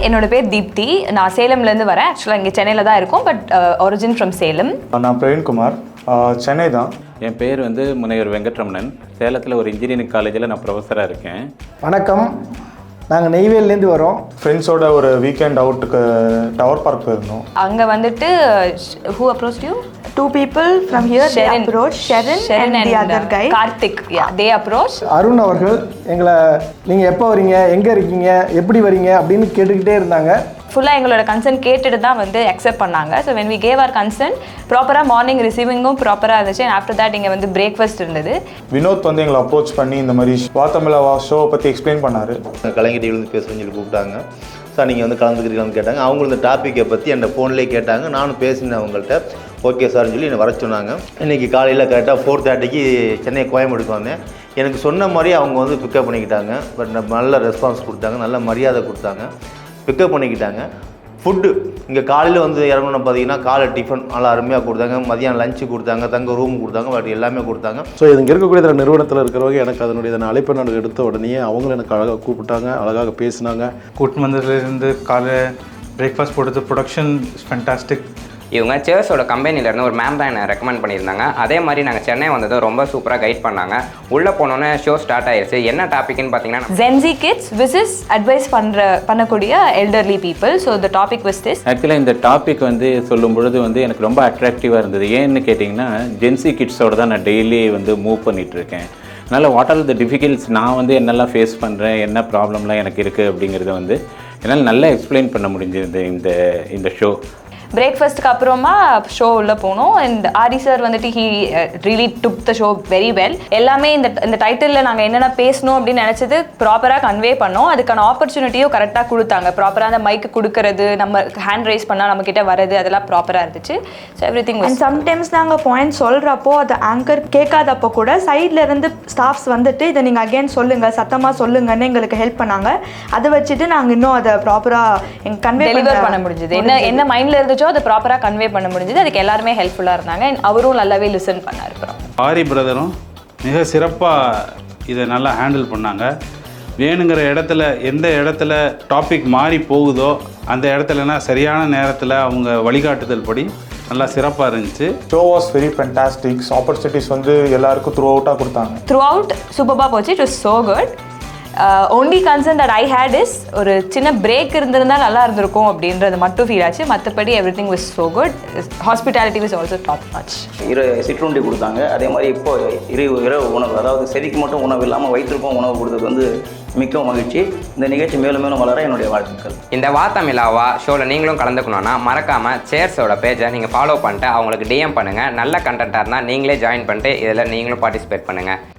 என்னோட பேர் தீப்தி. நான் சேலம்லேருந்து வரேன். ஆக்சுவலாக இங்கே சென்னையில் தான் இருக்கும், பட் ஒரிஜின் ஃப்ரம் சேலம். நான் பிரவீன்குமார், சென்னை தான். என் பேர் வந்து முனைவர் வெங்கட்ரமணன். சேலத்தில் ஒரு இன்ஜினியரிங் காலேஜில் நான் ப்ரொஃபஸராக இருக்கேன். வணக்கம், நாங்கள் நெய்வேலிலேருந்து வரோம். ஃப்ரெண்ட்ஸோட ஒரு வீக்கெண்ட் அவுட்டுக்கு டவர் பார்க் போயிருந்தோம். அங்கே வந்துட்டு who approached you? Two people from here, they approached Sharon and the other guy. Karthik, yeah, they approached. Arun அவர்கள் எங்களை நீங்கள் எப்போ வரீங்க, எங்கே இருக்கீங்க, எப்படி வரீங்க அப்படின்னு கேட்டுக்கிட்டே இருந்தாங்க. ஃபுல்லாக எங்களோட கன்சர்ன் கேட்டுட்டு தான் வந்து அக்செப்ட் பண்ணாங்க. So when we gave our consent, ப்ராப்பராக மார்னிங் ரிசீவிங்கும் ப்ராப்பராக இருந்துச்சு. அண்ட் ஆஃப்டர் தட் இங்கே வந்து பிரேக்ஃபாஸ்ட் இருந்தது. வினோத் வந்து எங்களை அப்ரோச் பண்ணி இந்த மாதிரி வாத்தமிழா ஷோவை பற்றி எக்ஸ்பிளைன் பண்ணார். கலைஞர் டிவிலேருந்து பேசுகிறேன்னு சொல்லி கூப்பிட்டாங்க. சார் நீங்கள் வந்து கலந்துக்கிறீங்களான்னு கேட்டாங்க. அவங்களும் இந்த டாப்பிக்கை பற்றி என் ஃபோன்லேயே கேட்டாங்க. நானும் பேசினேன் அவங்கள்ட்ட. ஓகே சார்னு சொல்லி என்னை வர சொன்னாங்க. இன்றைக்கி காலையில் கரெக்டாக 4:30க்கு சென்னை கோயம்பேடுக்கு வந்தேன். எனக்கு சொன்ன மாதிரி அவங்க வந்து பிக்கப் பண்ணிக்கிட்டாங்க. பட் நல்ல ரெஸ்பான்ஸ் கொடுத்தாங்க, நல்ல மரியாதை கொடுத்தாங்க, பிக்கப் பண்ணிக்கிட்டாங்க. ஃபுட்டு இங்கே காலையில் வந்து இறங்கணும் பார்த்தீங்கன்னா காலை டிஃபன் நல்லா அருமையாக கொடுத்தாங்க. மதியம் லஞ்சு கொடுத்தாங்க, தங்க ரூம் கொடுத்தாங்க, பட் எல்லாமே கொடுத்தாங்க. ஸோ இங்கே இருக்கக்கூடிய நிறுவனத்தில் இருக்கிறவங்க எனக்கு அதனுடைய அழைப்பை நான் எடுத்த உடனே அவங்களும் எனக்கு அழகாக கூப்பிட்டாங்க, அழகாக பேசினாங்க. கூட்டு வந்ததுலேருந்து காலை பிரேக்ஃபாஸ்ட் போடுறது, ப்ரொடக்ஷன் ஃபேண்டாஸ்டிக். இவங்க சேர்ஸோட கம்பெனிலேருந்து ஒரு மேம் தான் என்னை ரெக்கமெண்ட் பண்ணியிருந்தாங்க. அதே மாதிரி நாங்கள் சென்னை வந்ததும் ரொம்ப சூப்பராக கைட் பண்ணாங்க. உள்ளே போனோன்னே ஷோ ஸ்டார்ட் ஆயிடுச்சு. என்ன டாபிக்னு பார்த்தீங்கன்னா Gen Z kids versus advice பண்ணக்கூடிய elderly people. So the topic was this. ஆக்சுவலாக இந்த டாபிக் வந்து சொல்லும் பொழுது வந்து எனக்கு ரொம்ப அட்ராக்டிவாக இருந்தது. ஏன்னு கேட்டிங்கன்னா ஜென்சி கிட்ஸோட தான் நான் டெய்லி வந்து மூவ் பண்ணிகிட்ருக்கேன். அதனால் வாட் ஆர் த டிஃபிகல்ட்ஸ், நான் வந்து என்னெல்லாம் ஃபேஸ் பண்ணுறேன், என்ன ப்ராப்ளம்லாம் எனக்கு இருக்குது அப்படிங்கிறத வந்து என்னால் நல்லா எக்ஸ்பிளைன் பண்ண முடிஞ்சது இந்த ஷோ. பிரேக்ஃபாஸ்ட்டுக்கு அப்புறமா ஷோ உள்ளே போனோம். அண்ட் ஆரி சார் வந்துட்டு he really took the show very well. எல்லாமே இந்த டைட்டிலில் நாங்கள் என்னென்ன பேசணும் அப்படின்னு நினச்சது ப்ராப்பராக கன்வே பண்ணோம். அதுக்கான ஆப்பர்ச்சுனிட்டியும் கரெக்டாக கொடுத்தாங்க. ப்ராப்பராக அந்த மைக்கு கொடுக்கறது, நம்ம ஹேண்ட் ரைஸ் பண்ணால் நம்மக்கிட்ட வரது, அதெல்லாம் ப்ராப்பராக இருந்துச்சு. So everything. And sometimes நாங்கள் பாயிண்ட் சொல்கிறப்போ அது ஆங்கர் கேட்காதப்போ கூட சைடில் இருந்து ஸ்டாஃப்ஸ் வந்துட்டு இதை நீங்கள் அகெயின் சொல்லுங்கள், சத்தமாக சொல்லுங்கன்னு எங்களுக்கு ஹெல்ப் பண்ணாங்க. அதை வச்சுட்டு நாங்கள் இன்னும் அதை ப்ராப்பராக எங்கள் கன்வே பண்ண முடிஞ்சது. என்ன மைண்டில் இருந்து அதை ப்ராப்பராக கன்வே பண்ண முடிஞ்சது. அதுக்கு எல்லாருமே ஹெல்ப்ஃபுல்லாக இருந்தாங்க. அவரும் நல்லாவே லிசன் பண்ணார். ஆரி பிரதரும் மிக சிறப்பாக இதை நல்லா ஹேண்டில் பண்ணாங்க. வேணுங்கிற இடத்துல எந்த இடத்துல டாபிக் மாறி போகுதோ அந்த இடத்துலனா சரியான நேரத்தில் அவங்க வழிகாட்டுதல் படி நல்லா சிறப்பாக இருந்துச்சு. Show was very fantastic. Opportunities வந்து எல்லாருக்கும் த்ரூ அவுட்டாக கொடுத்தாங்க. த்ரூ அவுட் சூப்பராக போச்சு. It was so good. Only concern that I had is ஒரு சின்ன பிரேக் இருந்திருந்தால் நல்லா இருந்திருக்கும் அப்படின்றது மட்டும் ஃபீல் ஆச்சு. மற்றபடி everything was so good. Hospitality was also top notch. சிற்றுண்டி கொடுத்தாங்க. அதே மாதிரி இப்போ இரவு உணவு, அதாவது செடிக்கு மட்டும் உணவு இல்லாமல் வயிற்றுக்கும் உணவு கொடுத்தது வந்து மிக்க மகிழ்ச்சி. இந்த நிகழ்ச்சி மேலும் மேலும் வளர என்னுடைய வாழ்த்துக்கள். இந்த வாத்தமிழாவா ஷோவில் நீங்களும் கலந்துக்கணுன்னா மறக்காமல் சேர்ஸோட பேஜை நீங்கள் ஃபாலோ பண்ணிட்டு அவங்களுக்கு டிஎம் பண்ணுங்கள். நல்ல கண்டென்ட்டாக இருந்தால் நீங்களே ஜாயின் பண்ணிட்டு இதில் நீங்களும் பார்ட்டிசிபேட் பண்ணுங்கள்.